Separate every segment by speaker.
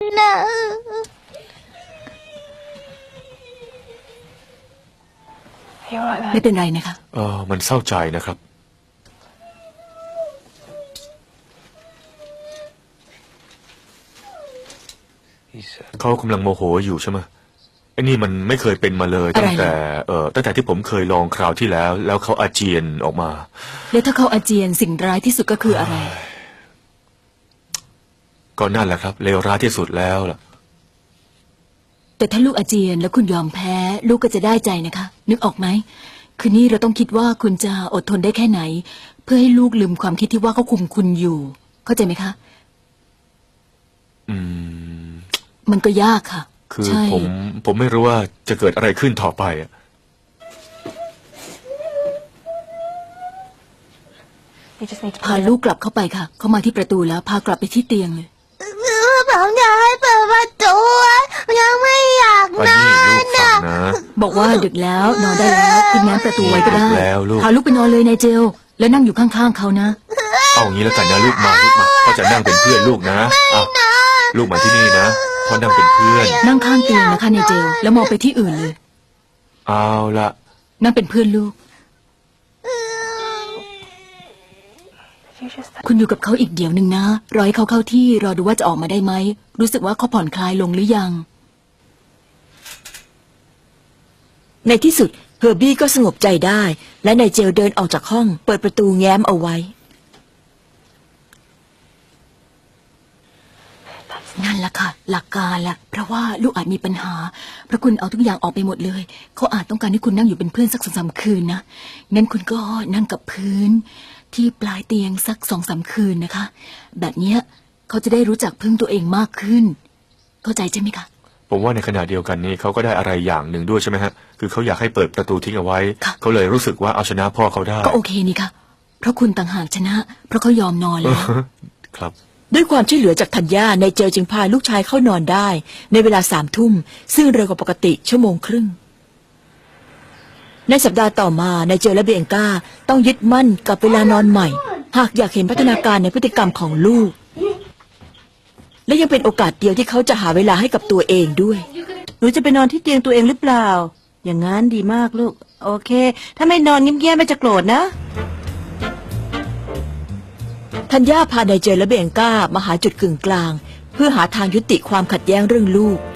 Speaker 1: นะ
Speaker 2: ไม่เป็นไรนะคะ
Speaker 3: มันเศร้าใจนะครับเขากำลังโมโหอยู่ใช่ไหมไอ้นี่มันไม่เคยเป็นมาเลยตั้งแต่ที่ผมเคยลองคราวที่แล้วเขาอาเจียนออกมา
Speaker 2: แล้วถ้าเขาอาเจียนสิ่งร้ายที่สุดก็คืออะไร
Speaker 3: ก็นั่นแหละครับเลวร้ายที่สุดแล้วล่ะ
Speaker 2: แต่ถ้าลูกอาเจียนแล้วคุณยอมแพ้ลูกก็จะได้ใจนะคะนึกออกไหมคืนนี้เราต้องคิดว่าคุณจะอดทนได้แค่ไหนเพื่อให้ลูกลืมความคิดที่ว่าเขาคุมคุณอยู่เข้าใจไหมคะมันก็ยากค่ะ
Speaker 3: คือผมไม่รู้ว่าจะเกิดอะไรขึ้นต่อไป
Speaker 2: พาลูกกลับเข้าไปค่ะเข้ามาที่ประตูแล้วพากลับไปที่เตียงเลย
Speaker 1: ผมอยากให้เปิดประตูยังไม่อยากนอนนะ
Speaker 2: บอกว่าดึกแล้วนอนได้แล้วคุณง้างประตูไว้ก็ได้พาลูกไปนอนเลยนายเจลแล้วนั่งอยู่ข้างๆเขานะ
Speaker 3: เอางี้แล้วกันนะลูกมาพ่อจะนั่งเป็นเพื่อนลูกนะลูกมาที่นี่นะพ่อนั่งเป็นเพื่อน
Speaker 2: นั่งข้างเตียงนะคะนายเจลแล้วมองไปที่อื่นเลย
Speaker 3: เอาละ
Speaker 2: นั่งเป็นเพื่อนลูกคุณอยู่กับเขาอีกเดี๋ยวหนึ่งนะรอให้เขาเข้าที่รอดูว่าจะออกมาได้ไหมรู้สึกว่าเขาผ่อนคลายลงหรือยัง
Speaker 4: ในที่สุดเฮอร์บี้ก็สงบใจได้และนายเจลเดินออกจากห้องเปิดประตูแง้มเอาไว้
Speaker 2: นั่นแหละค่ะหลักการละเพราะว่าลูกอาจมีปัญหาเพราะคุณเอาทุกอย่างออกไปหมดเลยเขาอาจต้องการให้คุณนั่งอยู่เป็นเพื่อนสัก2-3 คืนนะงั้นคุณก็นั่งกับพื้นที่ปลายเตียงสัก2-3 คืนนะคะแบบนี้เขาจะได้รู้จักพึ่งตัวเองมากขึ้นเข้าใจใช่ไหมคะ
Speaker 3: ผมว่าในขณะเดียวกันนี้เขาก็ได้อะไรอย่างหนึ่งด้วยใช่ไหมฮะคือเขาอยากให้เปิดประตูทิ้งเอาไว้เขาเลยรู้สึกว่าเอาชนะพ่อเขาได้
Speaker 2: ก็โอเคนี่ค่ะเพราะคุณต่างหากชนะเพราะเขายอมนอนแล้ว
Speaker 3: ครับ
Speaker 4: ด้วยความช่วยเหลือจากธัญญานายเจลจึงพาลูกชายเข้านอนได้ในเวลา3 ทุ่มซึ่งเร็วกว่าปกติ1 ชั่วโมงครึ่งในสัปดาห์ต่อมานายเจลและเบียงก้าต้องยึดมั่นกับเวลานอนใหม่หากอยากเห็นพัฒนาการในพฤติกรรมของลูกและยังเป็นโอกาสเดียวที่เขาจะหาเวลาให้กับตัวเองด้วย
Speaker 5: หนูจะไปนอนที่เตียงตัวเองหรือเปล่าอย่างงั้นดีมากลูกโอเคถ้าไม่นอนเงียบๆไม่จะโกรธนะ
Speaker 4: ธัญญาพานายเจลและเบียงก้ามาหาจุดกึ่งกลางเพื่อหาทางยุติความขัดแย้งเรื่องลูก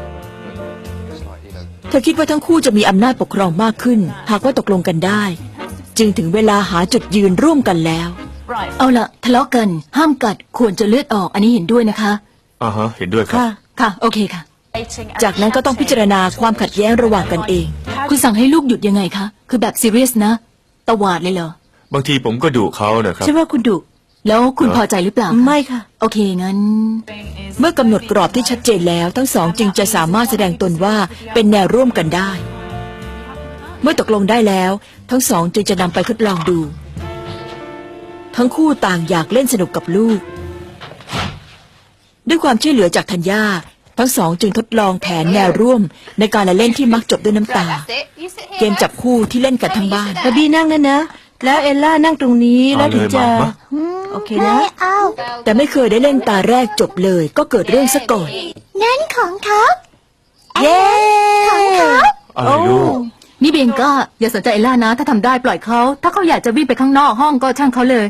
Speaker 4: เธอคิดว่าทั้งคู่จะมีอำนาจปกครองมากขึ้นหากว่าตกลงกันได้จึงถึงเวลาหาจุดยืนร่วมกันแล้ว
Speaker 2: เอาล่ะทะเลาะกันห้ามกัดควรจะเลือดออกอันนี้เห็นด้วยนะคะ
Speaker 3: เห็นด้วยครับ
Speaker 2: ค่ะโอเคค่ะ
Speaker 4: จากนั้นก็ต้องพิจารณาความขัดแย้งระหว่างกันเอง
Speaker 2: คุณสั่งให้ลูกหยุดยังไงคะคือแบบซีเรียสนะตวาดเลยเหร
Speaker 3: อบางทีผมก็ดุเขานะครับ
Speaker 5: ใช่ว่าคุณดุ
Speaker 2: แล้วคุณพอใจหรือเปล่า
Speaker 5: ไม่ค่ะ
Speaker 2: โอเคงั้น
Speaker 4: เมื่อกำหนดกรอบที่ชัดเจนแล้วทั้งสองจึงจะสามารถแสดงตนว่าเป็นแนวร่วมกันได้เมื่อตกลงได้แล้วทั้งสองจึงจะนำไปทดลองดูทั้งคู่ต่างอยากเล่นสนุกกับลูกด้วยความช่วยเหลือจากธัญญาทั้งสองจึงทดลองแผนแนวร่วมในการเล่นที่มักจบด้วยน้ำตาเกมจับคู่ที่เล่นกันทั้งบ้าน
Speaker 5: บาร์บี้นั่งนะแล้วเอลล่านั่งตรงนี้แล้วถึงจะโอเคนะ
Speaker 4: แต่ไม่เคยได้เล่นตาแรกจบเลยก็เกิดเรื่องซะก่อน
Speaker 1: นั่นของเขา
Speaker 4: เย้
Speaker 1: ของเขา
Speaker 3: อะไรลูก
Speaker 2: นี่เบียงก้าอย่าสนใจเอลล่านะถ้าทำได้ปล่อยเขาถ้าเขาอยากจะวิ่งไปข้างนอกห้องก็ช่างเขาเลย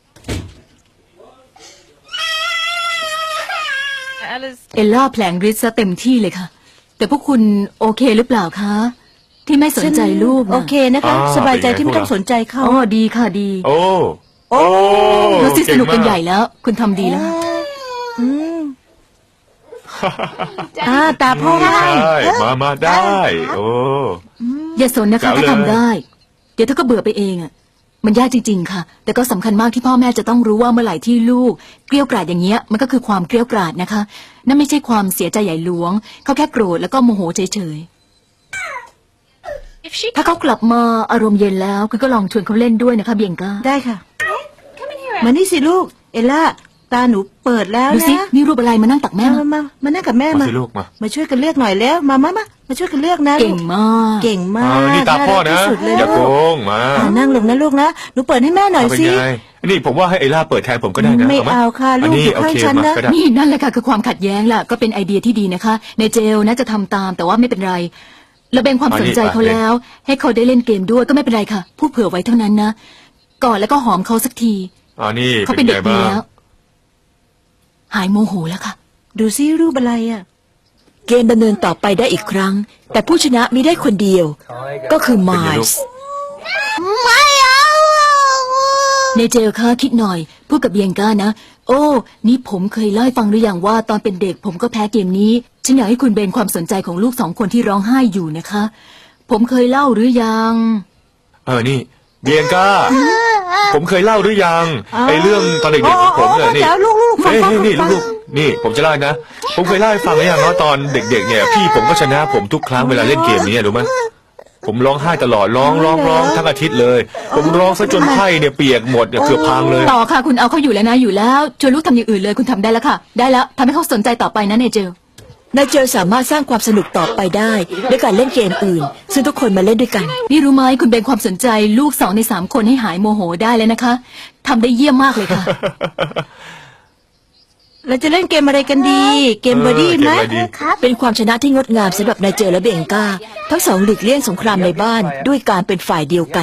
Speaker 2: เอลล่าแผลงฤทธิ์ซะเต็มที่เลยค่ะแต่พวกคุณโอเคหรือเปล่าคะที่ไม่สนใจลูก
Speaker 5: โอเคนะคะสบายใจที่ไม่ต้องสนใจเขา
Speaker 2: อ๋อดีค่ะดี
Speaker 3: โอ้
Speaker 2: เราสนุกกันใหญ่แล้วคุณทำดีแล้ว
Speaker 5: ตาพ่อ
Speaker 3: ได้มาได้โอ้
Speaker 2: อย่าสนนะคะถ้าทำได้เดี๋ยวถ้าก็เบื่อไปเองอ่ะมันยากจริงๆค่ะแต่ก็สำคัญมากที่พ่อแม่จะต้องรู้ว่าเมื่อไหร่ที่ลูกเกลี้ยกล่อมอย่างเงี้ยมันก็คือความเกลี้ยกล่อมนะคะนั่นไม่ใช่ความเสียใจใหญ่หลวงเขาแค่โกรธแล้วก็โมโหเฉยๆถ้าเขากลับมาอารมณ์เย็นแล้วคุณก็ลองชวนเขาเล่นด้วยนะคะเบียงก้า
Speaker 5: ได้ค่ะมานี่สิลูกเอลล่าตาหนูเปิดแล้ว
Speaker 2: ดูสิ
Speaker 5: นะ
Speaker 2: นี่รูปอะไรมานั่งตักแม่
Speaker 5: มานั่งกับแม่
Speaker 3: มา
Speaker 5: มา
Speaker 3: สิลูกมา
Speaker 5: มาช่วยกันเลือกหน่อยแล้วมาช่วยกันเลือกนะ
Speaker 2: เก่งมาก
Speaker 5: เก่งมาก
Speaker 3: นี่ตาพ่อนะ
Speaker 5: ารักที่สุดเลย
Speaker 3: อย่าโก
Speaker 5: ลูก
Speaker 3: งมา
Speaker 5: นั่งลงนะลูกนะหนูเปิดให้แม่หน่อย
Speaker 3: เอาเป็น
Speaker 5: สิ
Speaker 3: ไงนี่ผมว่าให้ไอล่าเปิดแทนผมก็ได้นะ
Speaker 5: ไม่
Speaker 3: ไหม
Speaker 5: เอาค่ะลูก
Speaker 3: นนี้
Speaker 5: อยู่
Speaker 3: โอ
Speaker 5: ข้าง
Speaker 3: เค
Speaker 5: ฉัน
Speaker 3: มา
Speaker 5: นะ
Speaker 3: ก็ได้
Speaker 2: นี่นั่นแหละค่ะคือความขัดแย้งล่ะก็เป็นไอเดียที่ดีนะคะ ในเจลน่าจะทำตามแต่ว่าไม่เป็นไรระเบงความสนใจเขาแล้ว ให้เขาได้เล่นเกมด้วยก็ไม่เป็นไรค่ะพูดเผื่อไว้เท่านั้นนะกอดแล้วก็หอมเขาสักที
Speaker 3: นี่
Speaker 2: เขา
Speaker 3: เป็
Speaker 2: เป็น น
Speaker 3: ไง
Speaker 2: เด็กดี
Speaker 3: บ้าง
Speaker 2: แล้ว หายโมโหแล้วค่ะ
Speaker 5: ดูซิรูปอะไรอ่ะ
Speaker 4: เกมดำเนินต่อไปได้อีกครั้ง แต่ผู้ชนะมีได้คนเดียว ก็คือไมล์ส์
Speaker 1: ไม่เอา
Speaker 2: ในเจลค่ะคิดหน่อยพูดกับเบียงก้านะโอ้นี่ผมเคยเล่าให้ฟังหรือยังว่าตอนเป็นเด็กผมก็แพ้เกมนี้ฉันอยากให้คุณเบนความสนใจของลูก2 คนที่ร้องไห้อยู่นะคะ ผมเคยเล่าหรือยัง
Speaker 3: นี่เบียงก้า ผมเคยเล่าหรือยังไอเรื่องตอนเด็กๆของผมเนี่ยนี่
Speaker 5: เดี๋ยวลูกๆฟัง
Speaker 3: เฮ้ยนี่
Speaker 5: ฟัง
Speaker 3: ลูกๆนี่ผมจะเล่านะ ผมเคยเล่าให้ฟังหรือยังว่าตอนเด็กๆเนี่ยพี่ผมก็ชนะผมทุกครั้งเวลาเล่นเกมนี้รู้ไหมผมร้องไห้ตลอดร้องทั้งอาทิตย์เลย ผมร้องซะจนไข้เนี่ยเปียกหมดเนี่ยเกือบพังเลย
Speaker 2: ต่อค่ะคุณเอาเขาอยู่แล้วนะอยู่แล้วชวนลูกทำอย่างอื่นเลยคุณทำได้แล้วค่ะ ได้แล้วทำให้เขาสนใจต่อไปนะในเจล
Speaker 4: นายเจลสามารถสร้างความสนุกต่อไปได้ด้วยการเล่นเกมอื่น ซึ่งทุกคนมาเล่นด้วยกัน
Speaker 2: นี่รู้ไหมคุณเบนความสนใจลูก2 ใน 3 คนให้หายโมโหได้เลยนะคะทำได้เยี่ยมมากเลยค่ะ
Speaker 5: เราจะเล่นเกมอะไรกันดี เกมเบอร์ดี้ไหม
Speaker 3: เกมอะไรดี
Speaker 1: ครับ
Speaker 4: เป็นความชนะที่งดงามสำหรับนายเจลและเบงกาทั้งสองหลีกเลี่ยงสงครามในบ้านด้วยการเป็นฝ่ายเดียวกัน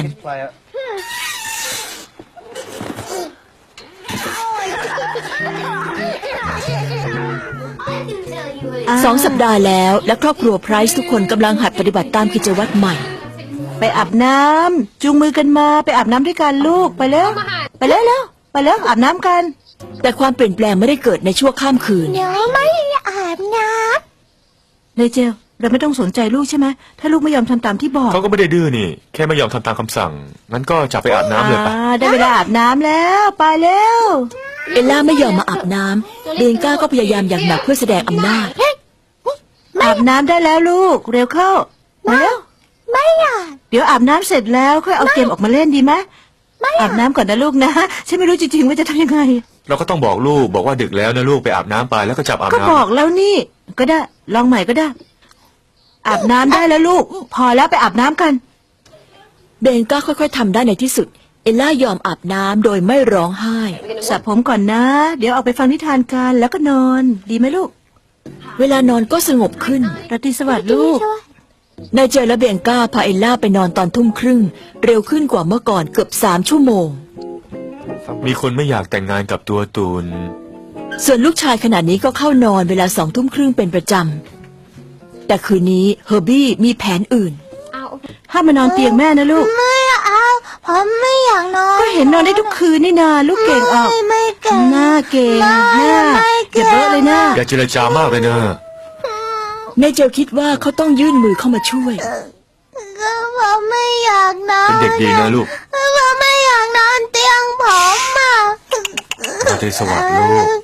Speaker 4: 2 สัปดาห์แล้วและครอบครัวไพรส์ทุกคนกำลังหัดปฏิบัติตามกิจวัตรใหม่
Speaker 5: ไปอาบน้ำจูงมือกันมาไปอาบน้ำด้วยกันลูกไปแล้วไปแล้วอาบน้ำกัน
Speaker 4: แต่ความเปลี่ยนแปลงไม่ได้เกิดในชั่วข้ามคืน
Speaker 1: เดี๋ยวไม่อาบน้
Speaker 5: นายเจลเราไม่ต้องสนใจลูกใช่ไหมถ้าลูกไม่ยอมทำตามที่บอก
Speaker 3: เขาก็ไม่ได้ดื้อนี่แค่ไม่ยอมทำตามคำสั่งงั้นก็จับไปอาบน้ำเลยไป
Speaker 5: ได้เวลาอาบน้ำแล้วไปแล้ว
Speaker 4: เอลล่าไม่ยอมมาอาบน้ำเบงก้าก็พยายามอย่างหนักเพื่อแสดงอำนาจ
Speaker 5: อาบน้ำได้แล้วลูกเร็วเข้ามาแล้ว
Speaker 1: ำไม่อยาก
Speaker 5: เดี๋ยวอาบน้ำเสร็จแล้วค่อยเอาเกมออกมาเล่นดีไหมอาบน้ำก่อนนะลูกนะฉันไม่รู้จริงๆว่าจะทำยังไง
Speaker 3: เราก็ต้องบอกลูกบอกว่าดึกแล้วนะลูกไปอาบน้ำไปแล้วก็จับอาบ
Speaker 5: ก็
Speaker 3: น้ำ
Speaker 5: บอกแล้วนี่ ก็ได้ลองใหม่ก็ได้ อาบน้ำได้แล้วลูก พอแล้วไปอาบน้ำกัน
Speaker 4: เบงก้าค่อยๆทำได้ในที่สุด เอลล่ายอมอาบน้ำโดยไม่ร้องไห้
Speaker 5: สระผมก่อนนะ เดี๋ยวออกไปฟังนิทานกันแล้วก็นอน ดีไหมลูก
Speaker 4: เวลานอนก็สงบขึ้น
Speaker 5: ราตรีสวัสดิ์ลูก
Speaker 4: นายเจลและเบงก้าพาเอลล่าไปนอนตอนทุ่มครึ่ง เร็วขึ้นกว่าเมื่อก่อนเกือบ3 ชั่วโมง
Speaker 3: มีคนไม่อยากแต่งงานกับตัวตูน
Speaker 4: ส่วนลูกชายขณะนี้ก็เข้านอนเวลา2 ทุ่มครึ่งเป็นประจำ แต่คืนนี้เฮอร์บี้มีแผนอื่น
Speaker 5: ห้ามมานอนเตียงแม่นะลูก
Speaker 1: ไม่เอาผมไม่อยากนอน
Speaker 5: ก็เห็นนอนได้ทุกคืนนี่นาลูกเก่งออก
Speaker 1: ไม่เก่ง
Speaker 5: หน้าเก่ง
Speaker 1: ไม่
Speaker 5: หน้า
Speaker 1: ไม่เก่
Speaker 5: เก็
Speaker 1: ง
Speaker 5: บเบอะเลยหน้า
Speaker 3: อย่าเจรจามากเลยนะ
Speaker 4: นายเจลคิดว่าเขาต้องยื่นมือเข้ามาช่วย
Speaker 1: ก็ผมไม่อยากนอน
Speaker 3: เป็นเด็กดีนะลูก
Speaker 1: ผมไม่อยากนอนเตียงผมอ่ะ
Speaker 3: ราตรีสวัสดิ์ลูก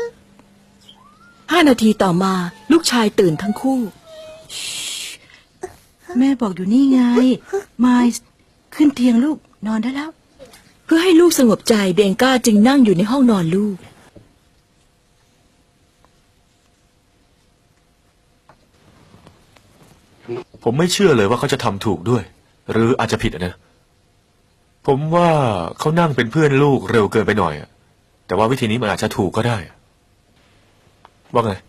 Speaker 4: 5 นาทีต่อมาลูกชายตื่นทั้งคู่
Speaker 5: แม่บอกอยู่นี่ไงมายขึ้นเตียงลูกนอนได้แล้ว
Speaker 4: เพื่อให้ลูกสงบใจเบงก้าจึงนั่งอยู่ในห้องนอนลูก
Speaker 3: ผมไม่เชื่อเลยว่าเขาจะทำถูกด้วย หรืออาจจะผิดนะ ผมว่าเขานั่งเป็นเพื่อนลูกเร็วเกินไปหน่อยอะแต่ว่าวิธีนี้มันอาจจะถูกก็ได้อะว่าไง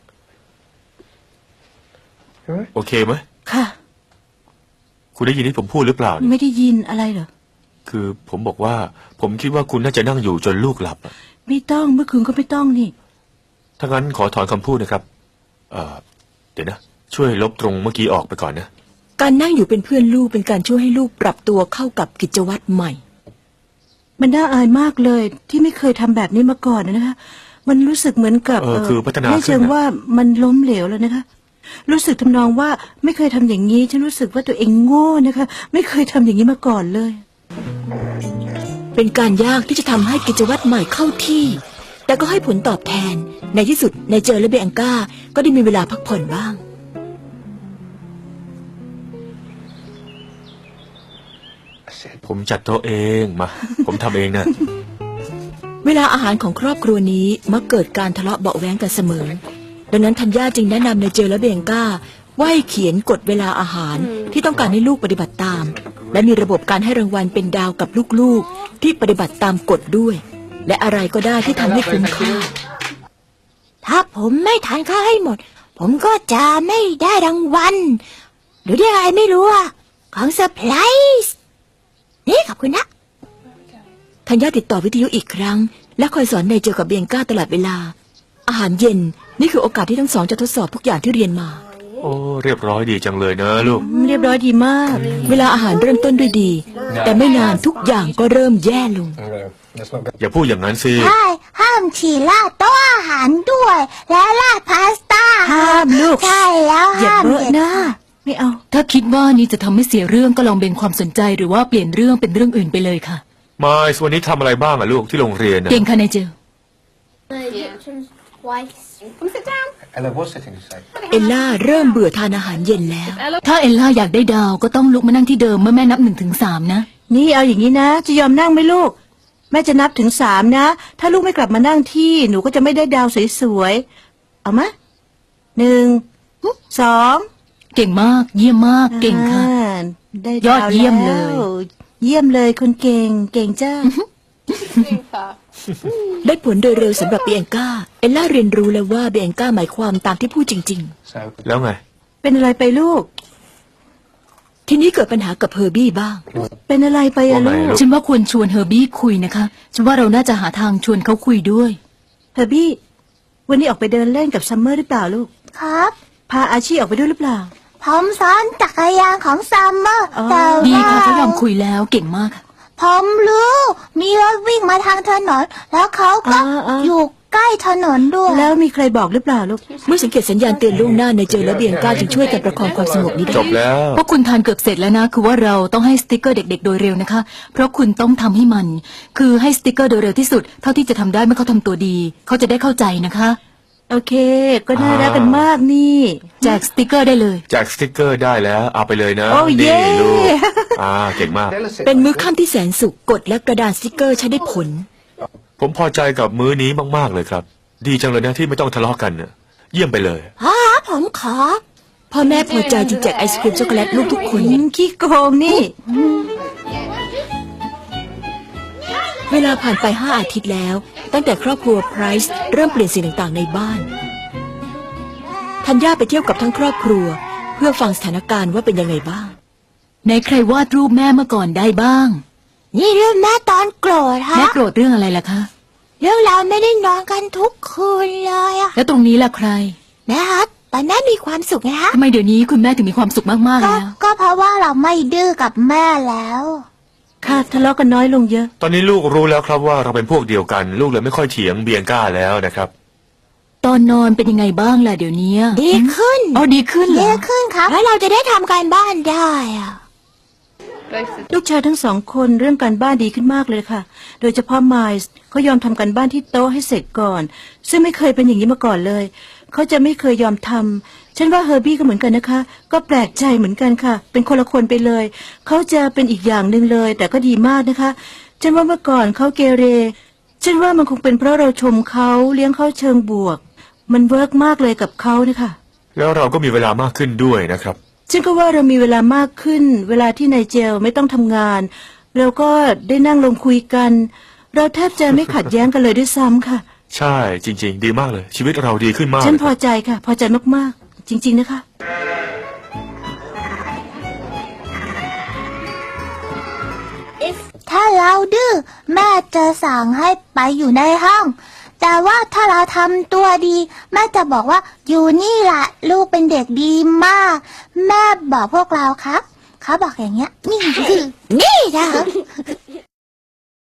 Speaker 3: โอเคไหม
Speaker 5: ค่ะ
Speaker 3: คุณได้ยินที่ผมพูดหรือเปล่าเนี่ย
Speaker 5: ไม่ได้ยินอะไรเหรอ
Speaker 3: คือผมบอกว่า ผมคิดว่าคุณน่าจะนั่งอยู่จนลูกหลับอะ
Speaker 5: ไม่ต้องเมื่อคืนก็ไม่ต้องนี่
Speaker 3: ถ้างั้นขอถอนคำพูดนะครับ เดี๋ยวนะ ช่วยลบตรงเมื่อกี้ออกไปก่อนนะ
Speaker 4: การนั่งอยู่เป็นเพื่อนลูกเป็นการช่วยให้ลูกปรับตัวเข้ากับกิจวัตรใหม่
Speaker 5: มันน่าอายมากเลยที่ไม่เคยทำแบบนี้มาก่อนนะคะ มันรู้สึกเหมือนกับ
Speaker 3: คือพัฒนา
Speaker 5: ไม่เชิง
Speaker 3: ขึ้นนะ
Speaker 5: ว่ามันล้มเหลวแล้วนะคะ รู้สึกทำนองว่าไม่เคยทำอย่างนี้ ฉันรู้สึกว่าตัวเองโง่นะคะ ไม่เคยทำอย่างนี้มาก่อนเลย
Speaker 4: เป็นการยากที่จะทำให้กิจวัตรใหม่เข้าที่ แต่ก็ให้ผลตอบแทน ในที่สุดนายเจอและเบงก้าก็ได้มีเวลาพักผ่อนบ้าง
Speaker 3: ผมจัดโต๊ะเองมา ผมทำเองนะ
Speaker 4: เวลาอาหารของครอบครัวนี้มักเกิดการทะเลาะเบาะแว้งกันเสมอ ดังนั้นธัญญาจึงแนะนำในเจลและเบงก้าว่าให้เขียนกฎเวลาอาหารที่ต้องการให้ลูกปฏิบัติตาม และมีระบบการให้รางวัลเป็นดาวกับลูกๆที่ปฏิบัติตามกฎด้วย และอะไรก็ได้ที่ทำให้คุ้มค่า
Speaker 1: ถ้าผมไม่ทานข้าวให้หมด ผมก็จะไม่ได้รางวัลหรือได้อะไรไม่รู้อะของเซอร์ไพรส์นี่ขอบคุณนะ
Speaker 4: ธัญญาติดต่อวิทยุอีกครั้ง และคอยสอนในเจลกับเบงก้าตลอดเวลา อาหารเย็นนี่คือโอกาสที่ทั้งสองจะทดสอบทุกอย่างที่เรียนมา
Speaker 3: โอ้เรียบร้อยดีจังเลยนะลูก
Speaker 5: เรียบร้อยดีมาก
Speaker 4: เวลาอาหารเริ่มต้นด้วยดี แต่ไม่นานทุกอย่างก็เริ่มแย่ลง
Speaker 3: อย่าพูดอย่างนั้นสิ
Speaker 1: ใช่ห้ามฉี่ราดโต๊ะอาหารด้วย และราดพาสต้า
Speaker 5: ห้ามลูก
Speaker 1: ใช่แล้ว
Speaker 5: อย่า
Speaker 1: ห้าม
Speaker 5: เบอะหน้าไม่เอา
Speaker 2: ถ้าคิดว่านี่จะทำให้เสียเรื่องก็ลองเบนความสนใจหรือว่าเปลี่ยนเรื่องเป็นเรื่องอื่นไปเลยค่ะ
Speaker 3: มายวันนี้ทำอะไรบ้างอะลูกที่โรงเรียนนะ
Speaker 2: เก่งค่ะนายเจล
Speaker 6: Ella was sitting straight.
Speaker 4: เอลล่าเริ่มเบื่อทานอาหารเย็นแล้ว
Speaker 2: ถ้าเอลล่าอยากได้ดาวก็ต้องลุกมานั่งที่เดิมเมื่อแม่นับ1 ถึง 3นะ
Speaker 5: นี่เอาอย่างนี้นะ จะยอมนั่งไหมลูก แม่จะนับถึง3นะ ถ้าลูกไม่กลับมานั่งที่หนูก็จะไม่ได้ดาวสวยๆเอามะ1 2
Speaker 2: เก่งมากเยี่ยมมากเก่งค่ะ
Speaker 5: ได้
Speaker 2: ยอดเยี่ยมเลย
Speaker 5: แล้วเยี่ยมเลยคนเก่งเก่งจ้า
Speaker 4: ได้ผลโดยเร็วสำหรับเบียงก้า เอลล่าเรียนรู้แล้วว่าเบียงก้าหมายความตามที่พูดจริง
Speaker 6: So
Speaker 3: แล้วไง
Speaker 5: เป็นอะไรไปลูก
Speaker 4: ๆ ทีนี้เกิดปัญหากับเฮอร์บี้บ้าง
Speaker 5: เป็นอะไรไปอะ
Speaker 3: ว่าไง
Speaker 5: ลูก
Speaker 3: ลูก
Speaker 2: ฉันว่าควรชวนเฮอร์บี้คุยนะคะฉันว่าเราน่าจะหาทางชวนเขาคุยด้วย
Speaker 5: เฮอร์บี้วันนี้ออกไปเดินเล่นกับซัมเมอร์หรือเปล่าลูก
Speaker 1: ครับ
Speaker 5: พาอาชีออกไปด้วยหรือเปล่า
Speaker 1: ผมซ้อนจักรยานของซัมเมอร์
Speaker 5: อ๋อ
Speaker 1: แต่
Speaker 2: ดี
Speaker 1: ว่า
Speaker 2: ค่ะเขายอมคุยแล้วเก่งมากค่ะ
Speaker 1: ผมรู้มีรถวิ่งมาทางถนน แล้วเขาก็อยู่ใกล้ถนนด้วย
Speaker 5: แล้วมีใครบอกหรือเปล่าลูก
Speaker 4: เมื่อสังเกตสัญญาณเตือนล่วงหน้าในเจอและเบียงก้าจึงช่วยกันประคองความสงบนี้ได้
Speaker 3: จบแล้ว
Speaker 2: พวกคุณทานเกือบเสร็จแล้วนะคือว่าเราต้องให้สติกเกอร์เด็กๆโดยเร็วนะคะ เพราะคุณต้องทำให้มัน คือให้สติกเกอร์โดยเร็วที่สุดเท่าที่จะทำได้เมื่อเขาทำตัวดี เขาจะได้เข้าใจนะคะ
Speaker 5: โอเค ก็น่ารักกันมากนี่
Speaker 2: แจกสติกเกอร์ได้เลย
Speaker 3: แจกสติกเกอร์ได้แล้วเอาไปเลยนะ
Speaker 5: โอ้เย่
Speaker 3: นี่ลูกเก่งมาก
Speaker 6: Ella sit
Speaker 4: เป็นมื้อค่ำที่แสนสุขกดและกระดาษสติกเกอร์ใช้ได้ผล
Speaker 3: ผมพอใจกับมื้อนี้มากๆเลยครับ ดีจังเลยนะที่ไม่ต้องทะเลาะกันน่ะเยี่ยมไปเลย
Speaker 1: ผมขอ
Speaker 4: พ่อแม่พอใจจึงแจกไอศครีมช็อกโกแลตลูกทุกคน
Speaker 5: ขี้โกงนี่
Speaker 4: เวลาผ่านไป5 อาทิตย์แล้ว ตั้งแต่ครอบครัวไพรส์เริ่มเปลี่ยนสิ่งต่างๆในบ้านธัญญาไปเที่ยวกับทั้งครอบครัว เพื่อฟังสถานการณ์ว่าเป็นยังไงบ้าง
Speaker 2: ในใครวาดรูปแม่เมื่อก่อนได้บ้าง
Speaker 1: นี่เรื่องแม่ตอนโกรธฮะ
Speaker 2: แม่โกรธเรื่องอะไรล่ะคะ
Speaker 1: เรื่องเราไม่ได้นอนกันทุกคืนเลยอะ
Speaker 2: แล้วตรงนี้ล่ะใคร
Speaker 1: แม่ฮะตอนแม่มีความสุขไงฮะ
Speaker 2: ทำไมเดี๋ยวนี้คุณแม่ถึงมีความสุขมากๆ
Speaker 1: ก็
Speaker 2: แล้ว
Speaker 1: ก็เพราะว่าเราไม่ดื้อกับแม่แล้ว
Speaker 5: ค่ะทะเลาะกันน้อยลงเยอะ
Speaker 3: ตอนนี้ลูกรู้แล้วครับว่าเราเป็นพวกเดียวกัน ลูกเลยไม่ค่อยเถียงเบียงก้าแล้วนะครับ
Speaker 2: ตอนนอนเป็นยังไงบ้างล่ะเดี๋ยวนี้
Speaker 1: ดีขึ้น
Speaker 2: อ๋อดีขึ้นเหร
Speaker 1: ดี
Speaker 2: อ
Speaker 1: ขึ้นครับแล้วเราจะได้ทำการบ้านได้อะ
Speaker 5: ลูกชายทั้ง2 คนเรื่องการบ้านดีขึ้นมากเลยค่ะ โดยเฉพาะไมล์เขายอมทำการบ้านที่โต๊ะให้เสร็จก่อน ซึ่งไม่เคยเป็นอย่างนี้มาก่อนเลย เขาจะไม่เคยยอมทำฉันว่าเฮอร์บี้ก็เหมือนกันนะคะ ก็แปลกใจเหมือนกันค่ะ เป็นคนละคนไปเลย เขาจะเป็นอีกอย่างหนึ่งเลย แต่ก็ดีมากนะคะ ฉันว่าเมื่อก่อนเขาเกเร ฉันว่ามันคงเป็นเพราะเราชมเขาเลี้ยงเขาเชิงบวก มันเวิร์กมากเลยกับเขานะคะ
Speaker 3: แล้วเราก็มีเวลามากขึ้นด้วยนะครับ
Speaker 5: ฉันก็ว่าเรามีเวลามากขึ้น เวลาที่นายเจลไม่ต้องทำงาน เราก็ได้นั่งลงคุยกัน เราแทบจะไม่ขัดแย้งกันเลยด้วยซ้ำค่ะ
Speaker 3: ใช่จริง ๆ ดีมากเลย ชีวิตเราดีขึ้นมาก
Speaker 5: ฉัน
Speaker 3: เลย
Speaker 5: พ
Speaker 3: ค
Speaker 5: อ
Speaker 3: รับ
Speaker 5: ใจค่ะ พอใจมากๆ จริง ๆนะคะ
Speaker 1: ถ้าเราดื้อแม่จะสั่งให้ไปอยู่ในห้อง แต่ว่าถ้าเราทำตัวดี แม่จะบอกว่าอยู่นี่แหละลูกเป็นเด็กดีมาก แม่บอกพวกเราครับเขาบอกอย่างเงี้ย นี่คือนี่